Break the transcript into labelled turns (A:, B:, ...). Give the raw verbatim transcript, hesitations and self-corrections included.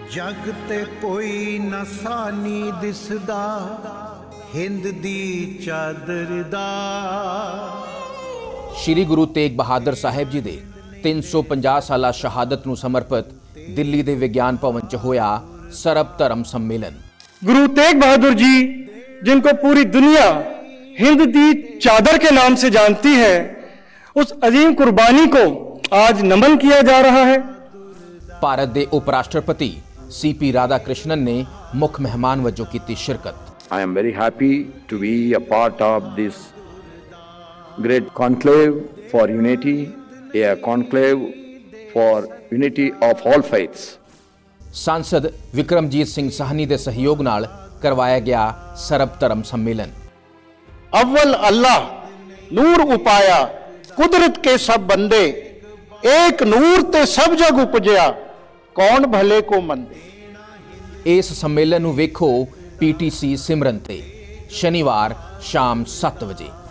A: जग ते कोई नसानी दिसदा हिंद दी चादर दा।
B: श्री गुरु तेग बहादुर साहिब जी दे तीन सौ पचास साला शहादत नूं समर्पित दिल्ली दे विज्ञान भवन च होया सर्ब धर्म सम्मेलन।
C: गुरु तेग बहादुर जी, जिनको पूरी दुनिया हिंद दी चादर के नाम से जानती है, उस अजीम कुर्बानी को आज नमन किया जा रहा है।
B: भारत के उप राष्ट्रपति सी पी राधा कृष्णन ने मुख्य मेहमान वजों की शिरकत।
D: I am very happy to be a part of this great conclave for unity, a conclave for unity of all faiths.
B: सांसद विक्रमजीत सिंह साहनी के सहयोग नाल करवाया गया सर्ब धर्म सम्मेलन।
E: अव्वल अल्लाह नूर उपाया, कुदरत के सब बंदे, एक नूर ते सब जग उपजया, कौन भले को मंदे।
B: इस सम्मेलन नूं वेखो पी टी सी सिमरन ते शनिवार शाम सत्त बजे।